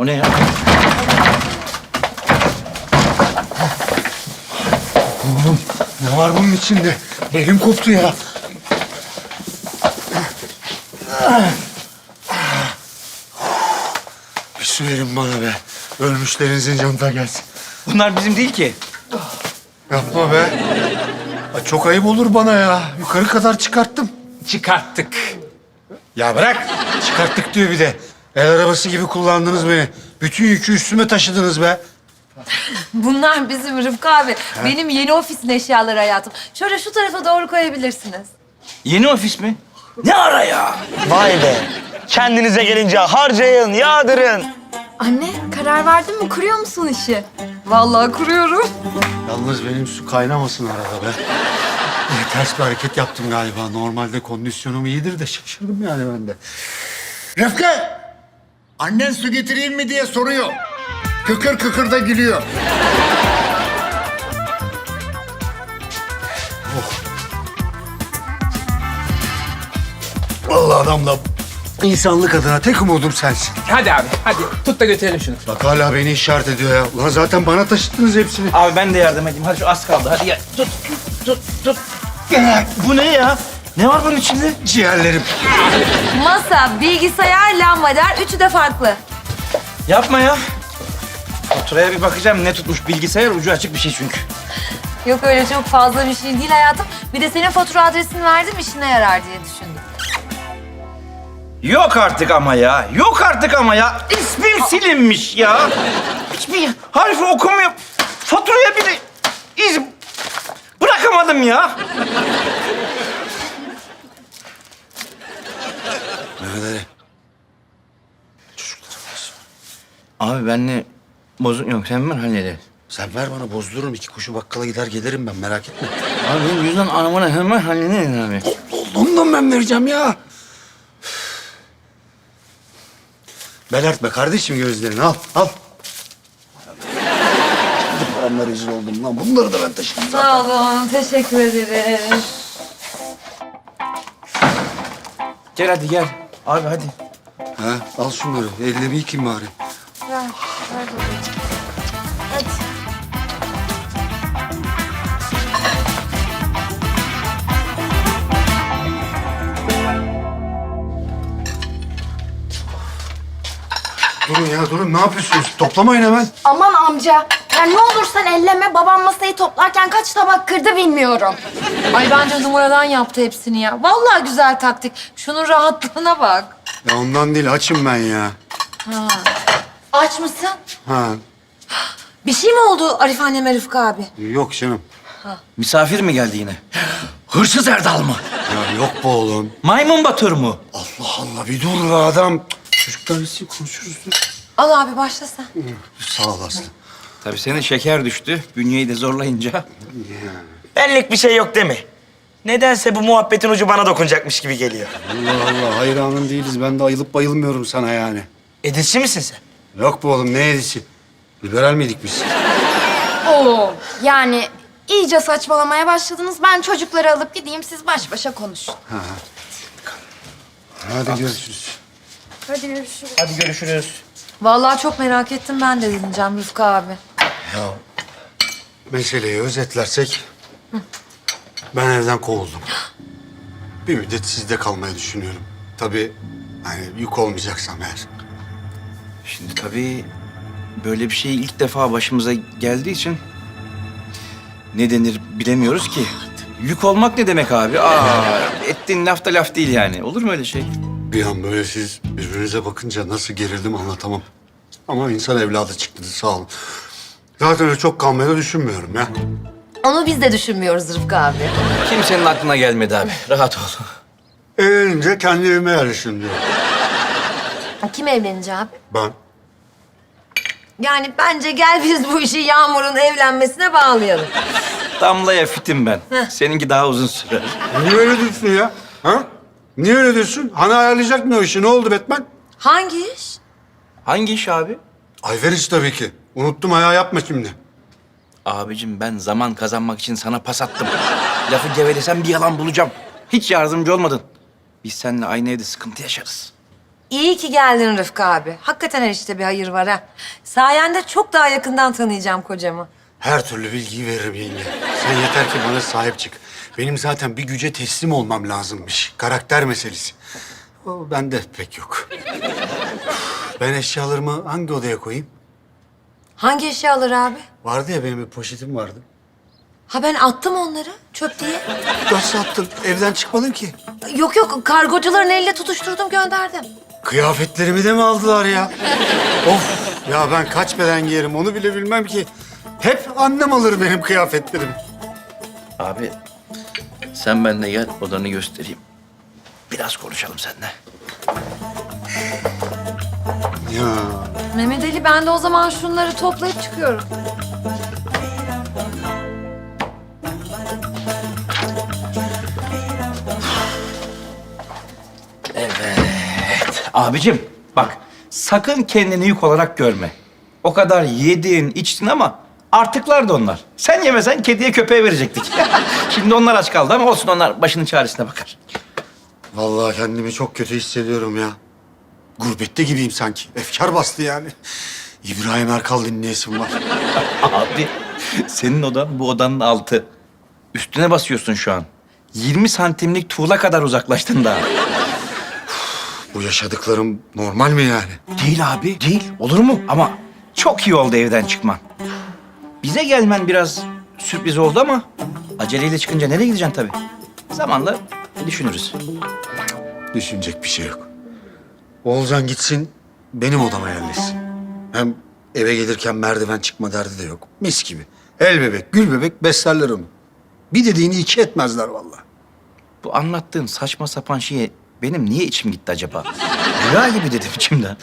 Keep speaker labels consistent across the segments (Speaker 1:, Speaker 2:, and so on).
Speaker 1: O ne ya?
Speaker 2: Oğlum ne var bunun içinde? Elim koptu ya. Bir su verin bana be. Ölmüşlerinizin canına gelsin.
Speaker 1: Bunlar bizim değil ki.
Speaker 2: Yapma be. Ay, çok ayıp olur bana ya. Yukarı kadar çıkarttım.
Speaker 1: Çıkarttık.
Speaker 2: Ya bırak. Çıkarttık diyor bir de. El arabası gibi kullandınız beni. Bütün yükü üstüme taşıdınız be.
Speaker 3: Bunlar bizim Rıfkı abi. Benim yeni ofisin eşyaları hayatım. Şöyle şu tarafa doğru koyabilirsiniz.
Speaker 1: Yeni ofis mi? Ne ara ya?
Speaker 4: Vay be. Kendinize gelince harcayın, yağdırın.
Speaker 5: Anne, karar verdin mi? Kuruyor musun işi?
Speaker 3: Vallahi kuruyorum.
Speaker 2: Yalnız benim su kaynamasın arada be. Ters bir hareket yaptım galiba. Normalde kondisyonum iyidir de şaşırdım yani ben de.
Speaker 6: Rıfkı! Annen su getireyim mi diye soruyor. Kıkır kıkır da gülüyor.
Speaker 2: Vallahi adamla insanlık adına tek umudum sensin.
Speaker 7: Hadi abi, hadi. Tut da götürelim şunu.
Speaker 2: Bak hala beni işaret ediyor ya. Ulan zaten bana taşıttınız hepsini.
Speaker 1: Abi ben de yardım edeyim. Hadi şu az kaldı. Hadi gel. Tut. Bu ne ya? Ne var bunun içinde?
Speaker 2: Ciğerlerim.
Speaker 3: Masa, bilgisayar, lambader. Üçü de farklı.
Speaker 1: Yapma ya. Faturaya bir bakacağım. Ne tutmuş bilgisayar? Ucu açık bir şey çünkü.
Speaker 3: Yok öyle çok fazla bir şey değil hayatım. Bir de senin fatura adresini verdim işine yarar diye düşündüm.
Speaker 1: Yok artık ama ya. Yok artık ama ya. İsmim silinmiş ya. Hiçbir harfi okumuyor. Faturaya bile iz bırakamadım ya.
Speaker 2: Mehmet Ali.
Speaker 1: Abi benle bozuk yok. Sen ver hallederiz.
Speaker 2: Sen ver bana bozdururum. 2 kuşu bakkala gider gelirim ben merak etme.
Speaker 1: Abi benim yüzden anamına hemen hallederiz abi.
Speaker 2: Ondan ben vereceğim ya. Belertme kardeşim gözlerini al al. Şimdi paramla rezil oldum lan. Bunları da ben taşıdım.
Speaker 3: Sağ olun, teşekkür ederiz.
Speaker 1: Gel hadi gel. Abi hadi.
Speaker 2: Ha, al şunları. Ellerimi yıkayayım bari.
Speaker 3: Ver babacığım. Hadi.
Speaker 2: Durun ya durun. Ne yapıyorsunuz? Toplamayın hemen.
Speaker 5: Aman amca, ya ne olursan elleme. Babam masayı toplarken kaç tabak kırdı bilmiyorum.
Speaker 3: Ay bence numaradan yaptı hepsini ya. Vallahi güzel taktik. Şunun rahatlığına bak.
Speaker 2: Ya ondan değil. Açım ben ya.
Speaker 3: Aç mısın?
Speaker 2: Ha.
Speaker 3: Bir şey mi oldu Arif anneme Rıfkı abi?
Speaker 2: Yok canım.
Speaker 1: Misafir mi geldi yine? Hırsız Erdal mı?
Speaker 2: Ya yok be oğlum.
Speaker 1: Maymun Batır mı?
Speaker 2: Allah Allah bir dur be adam. Çocuklar için konuşuruz. Dur.
Speaker 3: Al abi başla sen.
Speaker 2: Sağ ol Aslı.
Speaker 1: Tabii senin şeker düştü. Bünyeyi de zorlayınca.
Speaker 4: Benlik bir şey yok değil mi? Nedense bu muhabbetin ucu bana dokunacakmış gibi geliyor.
Speaker 2: Allah Allah hayranın değiliz. Ben de ayılıp bayılmıyorum sana yani.
Speaker 4: Edilçi misin sen?
Speaker 2: Yok be oğlum ne edisi? Liberal miydik biz?
Speaker 5: Oo. Yani iyice saçmalamaya başladınız. Ben çocukları alıp gideyim, siz baş başa konuşun.
Speaker 2: Hadi görüşürüz.
Speaker 5: Hadi görüşürüz.
Speaker 4: Hadi görüşürüz.
Speaker 3: Vallahi çok merak ettim ben de dinleyeceğim Rıfkı abi.
Speaker 2: Meseleyi özetlersek... Ben evden kovuldum. Bir müddet sizde kalmayı düşünüyorum. Tabii hani yük olmayacaksam eğer.
Speaker 1: Şimdi tabii böyle bir şey ilk defa başımıza geldiği için ne denir bilemiyoruz ki. Yük olmak ne demek abi? Ettiğin laf da laf değil yani. Olur mu öyle şey?
Speaker 2: Bir an böyle siz birbirinize bakınca nasıl gerildim anlatamam. Ama insan evladı çıktınız sağ olun. Zaten öyle çok kalmayı da düşünmüyorum ya.
Speaker 3: Onu biz de düşünmüyoruz Rıfkı abi.
Speaker 1: Kimsenin aklına gelmedi abi. Rahat ol.
Speaker 2: Evlenince kendi evime yerleşim diyor.
Speaker 3: Kim evlenecek abi?
Speaker 2: Ben.
Speaker 3: Yani bence gel biz bu işi Yağmur'un evlenmesine bağlayalım.
Speaker 1: Damlaya fitim ben. Seninki daha uzun sürer.
Speaker 2: Niye öyle diyorsun ya? Ha? Niye öyle diyorsun? Hani ayarlayacak mı o işi? Ne oldu Batman?
Speaker 3: Hangi iş?
Speaker 1: Hangi iş abi?
Speaker 2: Ayveriş tabii ki. Unuttum ayağı yapma şimdi.
Speaker 1: Abicim ben zaman kazanmak için sana pas attım. Lafı gevelesem bir yalan bulacağım. Hiç yardımcı olmadın. Biz seninle aynı evde sıkıntı yaşarız.
Speaker 3: İyi ki geldin Rıfkı abi. Hakikaten her işte bir hayır var ha. Sayende çok daha yakından tanıyacağım kocamı.
Speaker 2: Her türlü bilgiyi veririm yenge. Sen yeter ki bana sahip çık. Benim zaten bir güce teslim olmam lazımmış. Karakter meselesi. O bende pek yok. Ben eşyalarımı hangi odaya koyayım?
Speaker 3: Hangi eşyaları abi?
Speaker 2: Vardı ya benim bir poşetim vardı.
Speaker 3: Ha ben attım onları çöp diye.
Speaker 2: Nasıl attın? Evden çıkmadın ki.
Speaker 3: Yok yok kargocuların eliyle tutuşturdum gönderdim.
Speaker 2: Kıyafetlerimi de mi aldılar ya? Of! Ya ben kaç beden giyerim onu bile bilmem ki. Hep annem alır benim kıyafetlerimi.
Speaker 1: Abi sen benimle gel odanı göstereyim. Biraz konuşalım seninle.
Speaker 2: Ya
Speaker 3: Mehmet Ali ben de o zaman şunları toplayıp çıkıyorum.
Speaker 1: Abicim bak sakın kendini yük olarak görme. O kadar yedin içtin ama artıklar da onlar. Sen yemesen kediye köpeğe verecektik. Şimdi onlar aç kaldı ama olsun onlar başının çaresine bakar.
Speaker 2: vallahi kendimi çok kötü hissediyorum ya. Gurbette gibiyim sanki. Efkar bastı yani. İbrahim Erkal dinleyesim var.
Speaker 1: Abi senin odan bu odanın altı. Üstüne basıyorsun şu an. 20 santimlik tuğla kadar uzaklaştın daha.
Speaker 2: Bu yaşadıklarım normal mi yani?
Speaker 1: Değil abi, değil. Olur mu? Ama çok iyi oldu evden çıkman. Bize gelmen biraz sürpriz oldu ama aceleyle çıkınca nereye gideceksin tabii? Zamanla düşünürüz.
Speaker 2: Düşünecek bir şey yok. Oğulcan gitsin, benim odama yerleşsin. Hem eve gelirken merdiven çıkma derdi de yok. Mis gibi. El bebek, gül bebek beslerler onu. Bir dediğini iki etmezler vallahi.
Speaker 1: Bu anlattığın saçma sapan şeye benim niye içim gitti acaba? Rüya gibi dedim içimden.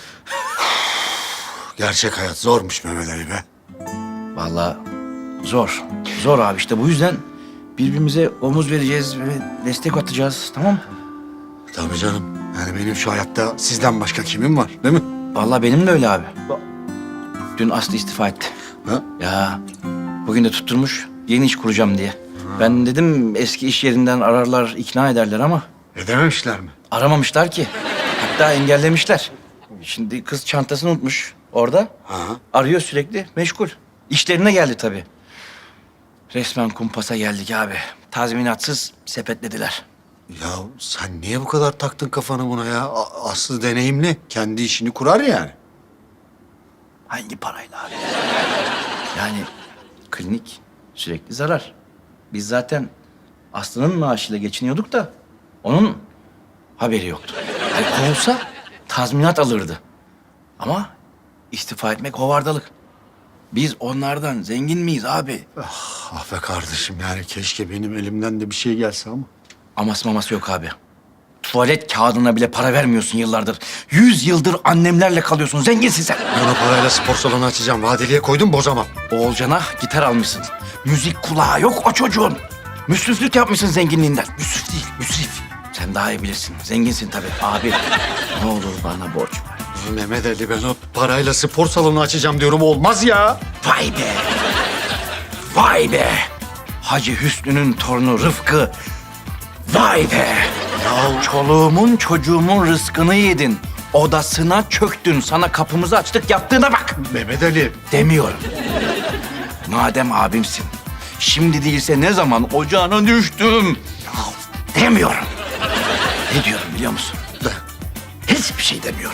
Speaker 2: Gerçek hayat zormuş Mehmet Ali be.
Speaker 1: Vallahi zor. Zor abi işte bu yüzden birbirimize omuz vereceğiz ve destek atacağız tamam mı?
Speaker 2: Tabii canım. Yani benim şu hayatta sizden başka kimim var değil mi?
Speaker 1: Vallahi benim de öyle abi. Dün Aslı istifa etti.
Speaker 2: Ha?
Speaker 1: Ya bugün de tutturmuş yeni iş kuracağım diye. Ben dedim eski iş yerinden ararlar ikna ederler ama
Speaker 2: Edememişler mi?
Speaker 1: aramamışlar ki. Hatta engellemişler. Şimdi kız çantasını unutmuş orada.
Speaker 2: Ha.
Speaker 1: Arıyor sürekli meşgul. İşlerine geldi tabii. Resmen kumpasa geldik abi. Tazminatsız sepetlediler.
Speaker 2: Ya sen niye bu kadar taktın kafanı buna ya? Aslı deneyimli. Kendi işini kurar yani.
Speaker 1: Hangi parayla abi? Yani klinik sürekli zarar. Biz zaten Aslı'nın maaşıyla geçiniyorduk da onun haberi yoktu. Yani kovulsa tazminat alırdı. Ama istifa etmek hovardalık. Biz onlardan zengin miyiz abi?
Speaker 2: Ah be kardeşim yani keşke benim elimden de bir şey gelse ama.
Speaker 1: Aması maması yok abi. Tuvalet kağıdına bile para vermiyorsun yıllardır. 100 yıldır annemlerle kalıyorsun. Zenginsin sen.
Speaker 2: Ben o parayla spor salonu açacağım. Vadeliye koydum bozamam.
Speaker 1: Oğulcan'a gitar almışsın. Müzik kulağı yok o çocuğun. Müsriflik yapmışsın zenginliğinden. Müsrif değil, müsrif. Sen daha iyi bilirsin. Zenginsin tabii. Abi ne olur bana borç ver.
Speaker 2: Mehmet Ali ben o parayla spor salonu açacağım diyorum olmaz ya.
Speaker 1: Vay be. Vay be. Hacı Hüsnü'nün torunu Rıfkı. Vay be. Ya çoluğumun çocuğumun rızkını yedin. Odasına çöktün. Sana kapımızı açtık yattığına bak.
Speaker 2: Mehmet Ali.
Speaker 1: Demiyorum. Madem abimsin. Şimdi değilse ne zaman ocağına düştüm. Ya demiyorum. Ne diyorum biliyor musun? Hiçbir şey demiyorum.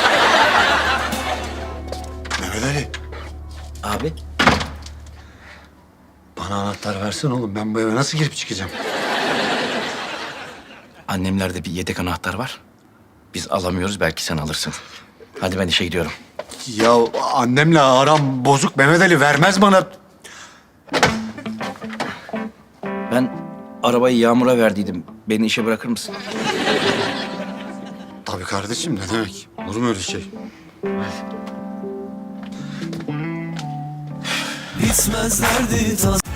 Speaker 2: Mehmet Ali.
Speaker 1: Abi
Speaker 2: Bana anahtar versin oğlum. Ben bu eve nasıl girip çıkacağım?
Speaker 1: annemlerde bir yedek anahtar var. Biz alamıyoruz belki sen alırsın. Hadi ben işe gidiyorum.
Speaker 2: Ya annemle aram bozuk. Mehmet Ali vermez bana.
Speaker 1: Ben arabayı Yağmur'a verdiydim. Beni işe bırakır mısın?
Speaker 2: Tabii kardeşim ne demek? Olur mu öyle şey?
Speaker 8: Bitmez derdi